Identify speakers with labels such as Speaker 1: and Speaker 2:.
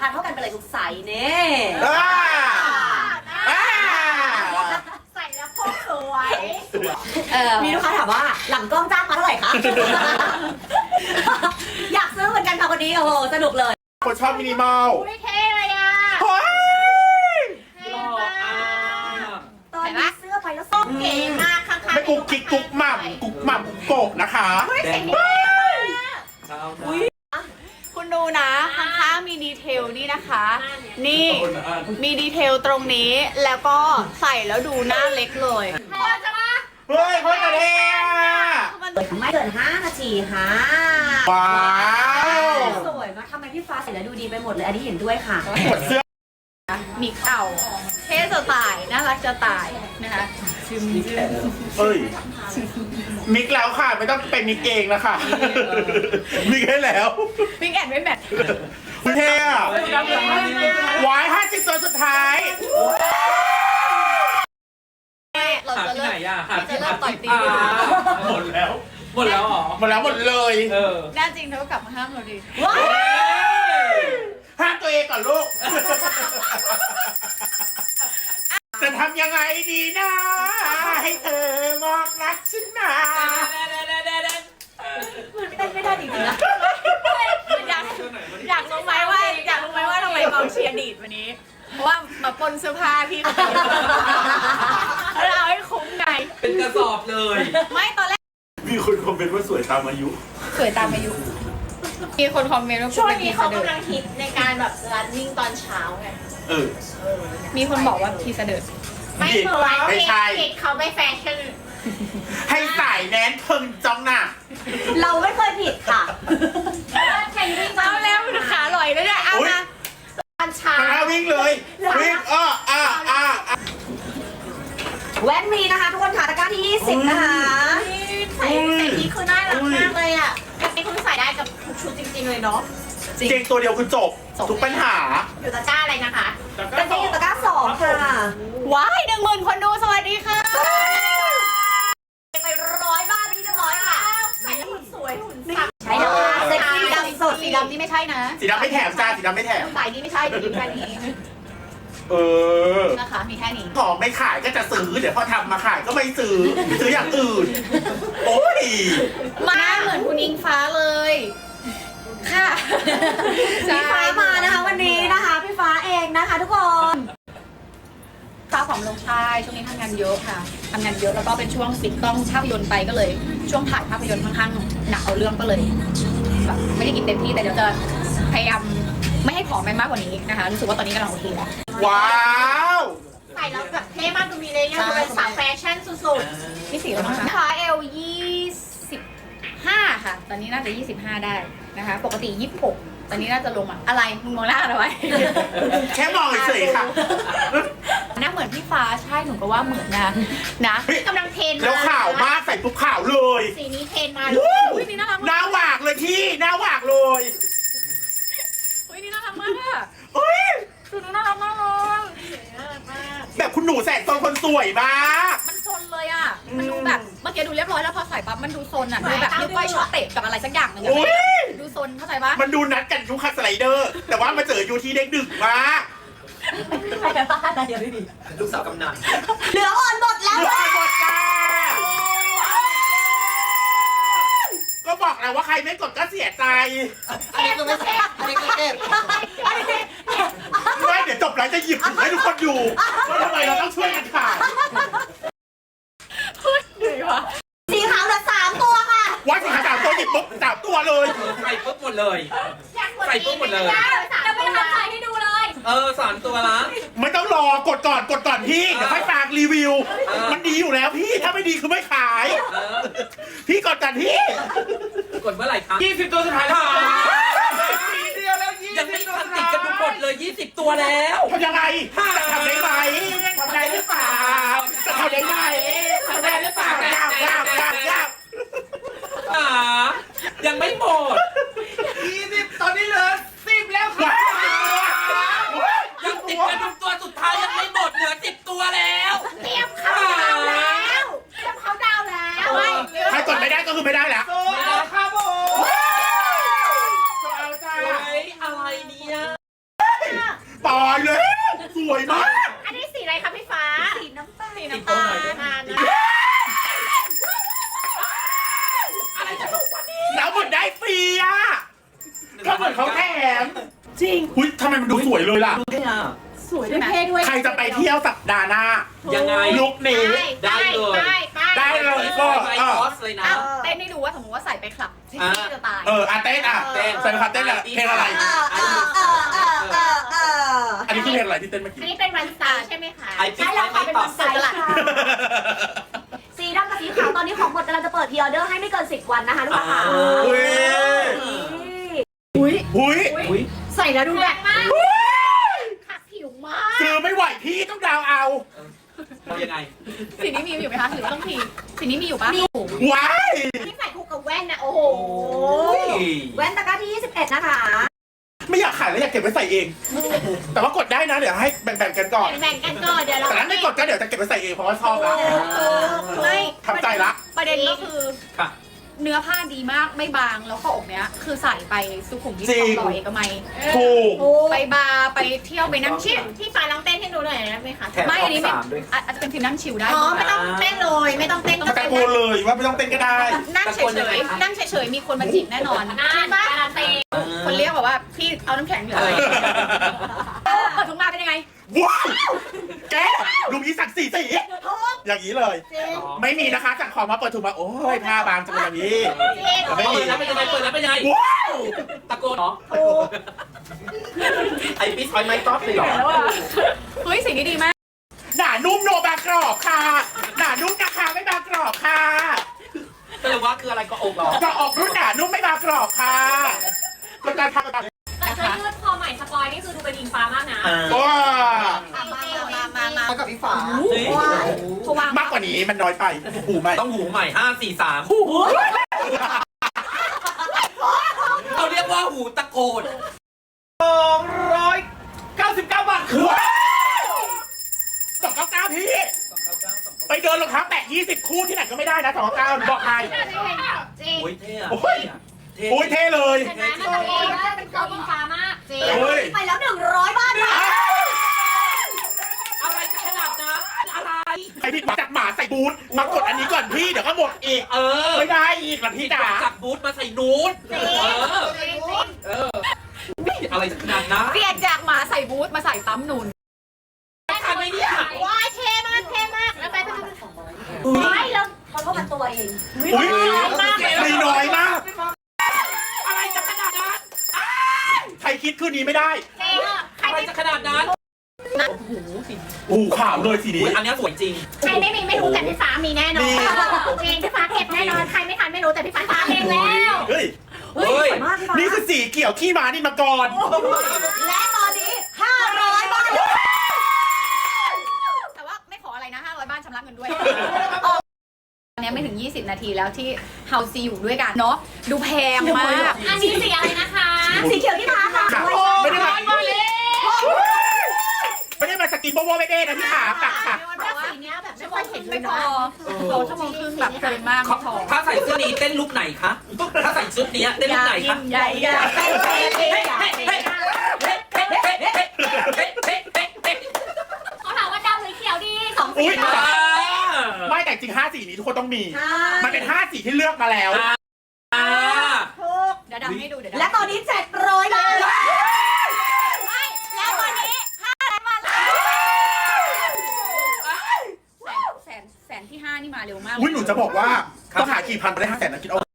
Speaker 1: คาเท่ากันไปเลยทุกไซส์เนี่ย
Speaker 2: ใส่แล้วพกสวย
Speaker 1: มีลูกค้าถามว่าหลังกล้องจ้างมาเท่าไหร่คะ อยากซื้อเหมือนกันค่ะวันนี้โอ้โหสนุกเลย
Speaker 3: คนชอบมินิมอล
Speaker 2: ไม่เท่เลยอ่ะ
Speaker 3: เฮ้ย
Speaker 2: เท่มาก
Speaker 1: ตอนนี้เสื้อไปแล้วส้ม
Speaker 2: เก๋มากข้างๆ
Speaker 3: ไม่กุ๊กกิ๊กกุ๊กหม่ำกุ๊กหม่ำกุ๊กโกะนะคะ
Speaker 2: เสียงดีมาก
Speaker 4: คุณดูนะข้างๆมีดีเทลนี่นะคะ นี่มีดีเทลตรงนี้แล้วก็ใส่แล้วดูหน้าเล็กเลย
Speaker 2: พอจะมา
Speaker 3: เฮ้ยเฮ้ยกระเทีย
Speaker 1: ไม่เกิน5 นาทีค่ะ
Speaker 3: ว้าว
Speaker 1: สวยมากทำไมพี่ฟ้าใส่แล้วดูดีไปหมดเลย อันนี้เห็นด้วยค่ะ
Speaker 3: หมดเสื้อ
Speaker 4: มีเข่าเท่จะตายน่ารักจะตายนะคะชิม
Speaker 3: เอ้ยมิกแล้วค่ะไม่ต้องเป็นมิกเองนะคะมิกให้แล้ว
Speaker 4: ปิ้งแอนไม่แมท
Speaker 3: เท่อะวาย50 ตัวสุดท้าย
Speaker 4: เรา
Speaker 5: หา
Speaker 4: จะ
Speaker 5: ที่
Speaker 4: เริ่
Speaker 5: ไหน
Speaker 4: ม
Speaker 5: อ่ะหา
Speaker 4: จะ
Speaker 5: ที่
Speaker 4: เริ่มต่อยตี
Speaker 3: หมดแล้ว
Speaker 5: หมดแล้วเหรอ
Speaker 3: หมดแล้วหมดเลย
Speaker 5: เออ
Speaker 4: แน่จริงเธอก็กลับมาห้ามเราดิ
Speaker 3: ห้ามตัวเองก่อนลูก จะทำยังไงดีนะ ให้เธอมองรักฉันมา
Speaker 1: เต้นไม่ได้จริงๆนะ
Speaker 4: อยากรู้ไหมว่าทำไมกองเชียร์ดีดวันนี้ เพราะว่ามาปนเสื้อผ้าพี่เขาแล้วเอาให้คุ้มไง
Speaker 5: เป็นกระสอบเลย
Speaker 4: ไม่ตอนแรก
Speaker 3: มีคนคอมเมนต์ว่าสวยตามอายุ
Speaker 4: สวยตามอายุมีคนคอมเมนต์ว่า
Speaker 2: ช่วงนี้เขากำลังฮิตในการแบบรันนิ่งตอนเช้าไง
Speaker 3: เออ
Speaker 4: มีคนบอกว่าพี่เสด็จ
Speaker 2: ไม่เคย
Speaker 3: ไม่ใช่
Speaker 2: ผิดเขาไม่แฟชั่น
Speaker 3: ให้สายแนนเพิ่งจ้องหน้า
Speaker 1: เราไม่เคยผิดค่ะ
Speaker 2: เทรนดิ้ง
Speaker 4: เอาแล้วขาลอยแล้วเนี่ยเอา
Speaker 3: อุ๊ย
Speaker 4: มา
Speaker 2: ตอนเช้า
Speaker 3: ข้างหน้าวิ่งเลย วิ่ง
Speaker 1: แว่นมีนะคะ ทุกคนค่ะตะกร้าที่ 20 นะคะ
Speaker 2: ใส่นี้คือน่ารักมากเลยอ่ะเป็นคุณใส่ได้กับทุกชุดจริงๆเลยเนาะ
Speaker 3: เก่งตัวเดียวคือจบ ทุกปัญหา
Speaker 2: อยู่ตะกร้าอะไรนะคะ
Speaker 1: กางเกงอยู่ตะกร้า 2 ค่ะ
Speaker 4: ว้าย10,000 คนดูสวัสดีค่ะ
Speaker 1: ไป100 บาทไปที่เรียบร้อยค่ะ
Speaker 2: ใส่แล้วหุ่นสวยหุ่นสับ
Speaker 1: ใช่แล้วค่ะเซ็กซี่
Speaker 4: สี
Speaker 1: ดำ
Speaker 4: ดำ
Speaker 1: ส
Speaker 4: ส
Speaker 1: ด
Speaker 4: ดสีดำนี่ไม่ใช่นะ
Speaker 3: สีดำไม่แถมจ้าสีดำไม่แถม
Speaker 4: สายนี้ไม่ใช่เดี๋ยวยิ้มแค่นี้
Speaker 3: เออ
Speaker 4: นะคะมีแค่นี้
Speaker 3: ของไม่ขายก็จะซื้อ เดี๋ยวพอทำมาขายก็ไม่ซื้อ ซื้ออย่างอื่น โอ้ย
Speaker 4: มาเหมือนคุณอิงฟ้าเลย ค่ะ
Speaker 1: พี่ฟ้ามานะคะวันนี้นะคะ พี่ฟ้าเองนะคะทุกคน
Speaker 4: ฟ้าผอมลงใช่ช่วงนี้ทำงานเยอะค่ะทำงานเยอะแล้วก็เป็นช่วงปิดกล้องภาพยนตร์ไปก็เลย ช่วงถ่ายภาพยนตร์ค่อนข้างหนักเอาเรื่องก็เลยแบบไม่ได้กินเต็มที่แต่เดี๋ยวจะพยายามไม่ให้ผอมไปมากกว่านี้นะคะรู้สึกว่าตอนนี้กำลังโอเคแล้ว
Speaker 3: ว้าว
Speaker 2: ใส่แล้วแบบเท่มากดูมีเลยยังเป็นสาวแฟชั่นสุด
Speaker 4: พี่สีแล้วนะคะขาเอล25ค่ะ ตอนนี้น่าจะ25ได้นะคะ ปกติ26ตอนนี้น่าจะลงอ่ะอะไรมึงมองหน้าอะไรไว้
Speaker 3: แค่มองเฉยๆค่ะ
Speaker 4: หน้าเหมือนพี่ฟ้าใช่หนูก็ว่าเหมือนนะ
Speaker 2: ๆกำลังเทรนมา
Speaker 3: แล้วข่าวมากใส่ปุ๊บข่าวเลย
Speaker 2: สีนี้เทรนมา
Speaker 3: วู้
Speaker 4: อุ้ยนี่น่ารัก
Speaker 3: ห
Speaker 4: มาก
Speaker 3: น้าหวากเลยพี่ หน้าหวากเลย
Speaker 4: อุ้ยนี่น่ารักมากอะ
Speaker 3: เฮ้ย
Speaker 4: คือน่ารักมากเลย
Speaker 3: แบบคุณหนูแสนตนคนสวยมาก
Speaker 4: มันซนเลยอ่ะมันดูแบบเมื่อกี้ดูเรียบร้อยแล้วพอใส่ปั๊บมันดูซนอ่ะดูแบบนิ้วก้อยช็อตเตะกับอะไรสักอย่างหนึ่งอะ
Speaker 3: อุ๊ย
Speaker 4: ดูซนเข้าใจปะ
Speaker 3: มันดูนัดกันยุคคัสไลเดอร์ แต่ว่ามาเจออยู่ที่เด็กดึกมาก
Speaker 1: ใครจะบ้าอะไรอย่างนี้
Speaker 5: ลูกสาวกำนัน
Speaker 1: เหลืออ่อนหมดแล้ว
Speaker 3: เหลือ
Speaker 1: ค่ะ
Speaker 3: หมดจ้าก็บอกแล้วว่าใครไม่กดก็เสียใจ
Speaker 1: อันนี้คือไม่ใช่อันนี้คือเก็บ
Speaker 3: ไม่เดี๋ยวจบแล้วจะหยิบถุงให้ทุกคนอยู่ว่าทำไมเราต้องช่วยกันขาย
Speaker 4: เหนื่อยวะ
Speaker 1: สีขาวเหลือ3 ตัวค่ะ
Speaker 3: ว่าสิขา3 ตัวหยิบปุ๊บ3 ตัวเลย
Speaker 5: ใส่ปุ๊บหมดเลย ใส่ปุ๊บหมดเลย
Speaker 2: จะไม่ทำใส่ให้ดูเลย
Speaker 5: เออ3 ตัวละ
Speaker 3: ไม่ต้องรอกดก่อนพี่เดี๋ยวค่อยฝากรีวิว มันดีอยู่แล้วพี่ถ้าไม่ดีคือไม่ขาย
Speaker 5: เออ
Speaker 3: พี่กดก่อนพี่
Speaker 5: กดเมื่อไหร่คะ20 ตัวสุดท้ายแล้วยังไม่ทันติดกันหมดเลย20 ตัวแล้ว
Speaker 3: ทำยังไงจะทำได้ไหมทำได้หรือเปล่าจะทำได้ไหมทำได้หรือเปล่ายาก
Speaker 5: อ่ายังไม่หมด
Speaker 3: ตอนนี้เหลือ10 แล้วค่ะ
Speaker 5: ยังติดกันทุกตัวสุดท้ายยังไม่หมดเหลือ10 ตัวแล้ว
Speaker 2: เตรียมเขาดาวแล้วเตรียมเขาดาวแล้ว
Speaker 3: ใครกดไม่ได้ก็คือไม่ได้แล้วครับผมเอาจ้า
Speaker 5: เฮ้ยอะไรเนี่ย
Speaker 3: วยมาก
Speaker 2: อันนี้สีอะไรคะพี่ฟ้า
Speaker 1: สีน้ำตาล
Speaker 2: สีน้ำตาลนานนะ
Speaker 5: อะไรจะถูกกว่านี้
Speaker 3: แล้วเหมือนได้ฟรีอ่ะก็เหมือนเขาแถม
Speaker 1: จริง
Speaker 3: อุ้ยทำไมมันดูสวยเลยล่ะ
Speaker 1: สวยด้วยเท่ด้วย
Speaker 3: ใครจะไปเที่ยวสัปดาห์หน้า
Speaker 5: ยังไง
Speaker 3: ลุคนี้
Speaker 5: ได้เลย
Speaker 3: ได้เลยก็
Speaker 5: ไปคอสเลยนะ
Speaker 4: เอาเต้นให้ดูว่าสมมติว่าใส่ไปคลับที่จะตาย
Speaker 3: เต้นอ่ะ
Speaker 5: เต้น
Speaker 3: ใส่คาเต้นอ่ะเพลงอะไร
Speaker 1: เออ
Speaker 3: อันนี้คือเพลงอะไรที่เต้นเมื่อ
Speaker 2: อัน
Speaker 3: กี้
Speaker 2: นี้เป็นวันสตาร์ใช่ไหมคะ
Speaker 5: ไอปิ๊ก
Speaker 1: ใช่แล้ว
Speaker 5: ไม่
Speaker 1: ค่ะเป็น
Speaker 5: ตอ
Speaker 1: วั
Speaker 5: บ
Speaker 1: นสลัดสีดำกับสีขาวตอนนี้ของหมดกำลังจะเปิดพรีออเดอร์ให้ไม่เกิน10 วันนะคะทุกคนค่ะ
Speaker 3: อุ้ย
Speaker 1: อุ้ย
Speaker 3: อุ้ย
Speaker 5: อุ้ย
Speaker 1: ใส่แล้วดู
Speaker 2: แร
Speaker 1: แบบ
Speaker 2: งมากขัดผิวมาก
Speaker 3: ซื้อไม่ไหวพี่ต้องดาวเอา
Speaker 5: ทำยังไง
Speaker 4: สีนี้มีอยู่ไหมคะหรือว่าต้องทีสีนี้มีอยู่ปะ
Speaker 3: ว้าย
Speaker 2: ที่ใส่คู่กับแว่นนะโอ้โห
Speaker 1: แว่นตะกร้าที่21นะคะ
Speaker 3: ไม่อยากขายแล้วอยากเก็บไว้ใส่เอง แต่ว่ากดได้นะเดี๋ยวให้แบ่งๆกันก่อน
Speaker 2: แบ่งกันก่อนเดี๋ยวเรา
Speaker 3: แต่ถ้าไม่กดก็เดี๋ยวจะเก็บไว้ใส่เองเพราะว่าชอบละ
Speaker 4: ไม่
Speaker 3: ทำใจละ
Speaker 4: ประเด็นก็คือ
Speaker 5: ค่ะ
Speaker 4: เนื้อผ้าดีมากไม่บางแล้วข้ออกเนี้ยคือใส่ไปสุขุมวิท
Speaker 3: จริ
Speaker 4: ทอง งหล่อเอกมัย
Speaker 3: ถูก
Speaker 4: ไปบาร์ไปเที่ยวไปนั่งชิล
Speaker 2: ที่ฟ้าลองเต้นให้ดูหน่อยได้ไหมคะ
Speaker 5: แถม
Speaker 4: ไม่อันนี้ไม่
Speaker 5: สามด้วย
Speaker 4: อาจจะเป็นทีมนั่งชิลได้
Speaker 2: อ๋อไม่ต้องเต้นเลยไม่ต้องเต้น
Speaker 3: ตะโกนเลยว่าไม่ต้องเต้นก็ได้
Speaker 4: นั่งเฉยๆนั่งเฉยๆมีคนมาจีบแน่นอน
Speaker 2: น่าการันตี
Speaker 4: คนเรียกบอกว่าพี่เอาน้ำแข็งเหลืออะไรเปิดถุงมาเป็นยังไง
Speaker 3: ว้าวแกลุงนี้สั่งสีอย่างนี้เลย ไม่มีนะคะสั่งของมาเปิดถุงมาโอ้ยผ้าบางจังเลยอย่างนี้แต่ไม่
Speaker 5: เปิ
Speaker 3: มี
Speaker 5: ดแล้วเป็นยังไงเปิดแล้วเป็นยังไง
Speaker 3: ว้าว
Speaker 5: ตะโกนเหรอไอปิ๊กไม่ตอบเลยเหรอ
Speaker 4: เฮ้ยสิ่งนี้ดีมาก
Speaker 3: หนานุ่มโนบางกรอบค่ะหนานุ่มนะคะไม่บางกรอบค่ะ
Speaker 5: แสดงว่าคืออะไรก็อกเหรอ
Speaker 3: ก็ออกรุ่นหนานุ่มไม่บางกรอบค่ะเป็นการทำแบบ
Speaker 2: แต่เสื้อยืดคอใหม่สปอยนี่คือดูเป็นอิงฟ้ามากนะ
Speaker 3: ว้า
Speaker 4: มา
Speaker 1: กับพี่ฟ้า
Speaker 4: เพราะว่าม
Speaker 3: ากกว่านี้มันน้อยไปหูไหม
Speaker 5: ต้องหูใหม่5 4 3เขาเรียกว่าหูตะโกน299 บาทคือ
Speaker 3: ว้าว299พี่ไปเดินรองเท้าแตะ20 คู่ที่ไหนก็ไม่ได้นะ299บอกใคร
Speaker 2: จริง
Speaker 5: โอ้ยเท่อะ
Speaker 3: โอ้ย โอ้ยเท่เลย
Speaker 2: เห็นไหมมันตะโกนว่าเป็นเขาอิงฟ้ามากจริง
Speaker 3: โอ้ย
Speaker 1: ไปแล้ว100 บาทค่ะ
Speaker 5: อะไรจะขนาดนั้นอะไร
Speaker 3: ไอพี่จับหมาใส่บูทมากดอันนี้ก่อนพี่เดี๋ยวก็หมดอีก ไม่ได้อีกล่ะพี่จ๋า
Speaker 5: จับบูทมาใส่นูดอะไรจะขนาดนั้น
Speaker 4: เปลี่ยนจากหมาใส่บูทมาใส่ปั๊มนูน
Speaker 5: ทำไมเนี่ย
Speaker 2: ว้ายเท่มากเท่มากแล้วไป
Speaker 1: ไม่แล้วเขาก็มาตัวเอง
Speaker 3: อุ้ยมีน้อยมาก
Speaker 5: อะไรจะขนาดนั้น
Speaker 3: ใครคิดคืนนี้ไม่ได้
Speaker 2: จริงใคร
Speaker 5: อะไร
Speaker 2: ไม่
Speaker 5: จะขนาดนั้น
Speaker 3: อู้ขาวเลยสีนี้
Speaker 5: อันนี้สวยจริง
Speaker 2: ใครไม่รู้แต่พี่ฟ้ามีแน่นอนจริงพี่ฟ้าเก็บแน่นอนใครไม่ทันไม่รู้แต่พี่ฟ้าทำเองแล้ว
Speaker 3: เฮ้ย
Speaker 1: เฮ้ยสวยมากพี่ฟ้า
Speaker 3: นี่คือสีเขียวขี้ม้านี่มาก่อน
Speaker 1: และตอนนี้500 บาท
Speaker 4: แต่ว่าไม่ขออะไรนะ500บ้านชำระเงินด้วยอันนี้ไม่ถึง20 นาทีแล้วที่เฮาซีอยู่ด้วยกันเนาะดูแพงมาก
Speaker 2: อันนี้สีอะไรนะคะ
Speaker 1: สีเขียวที่ม้าค่ะ
Speaker 3: ไม่ได้มาไม่ได้มาสกินโบโบไม่ได้นะพี่ขาปักค่ะ
Speaker 2: สีเนี้ยแบบไม่ค่อยเห็นเล
Speaker 4: ไม่
Speaker 2: ย
Speaker 4: พอ
Speaker 2: เนาะ
Speaker 4: เขาชั่วโมงครึ่งแบบเกินมากไม่พอ
Speaker 5: ถ้าใส่เสื้อนี้เต้นลุกไหนคะ ถ้าใส่ชุดนี้เต้นลุกไหนคะ
Speaker 4: ใหญ่ใหญ่
Speaker 2: เขาถามว่าดำหรือเขียวดีสอง
Speaker 3: อุ้
Speaker 2: สี
Speaker 3: ยไม่แต่จริง5 สีนี้ทุกคนต้องมี มันเป็น5 สีที่เลือกมาแล้ว
Speaker 4: เดี๋ยวดำให้ดูเดี๋ยว
Speaker 1: และตอนนี้700 บาท
Speaker 2: แล้ววันนี้
Speaker 4: แสนที่5นี่มาเร็วมาก
Speaker 3: อุ้ยหนูจะบอกว่าต้องหากี่พันไปได้500,000นะคิดเอา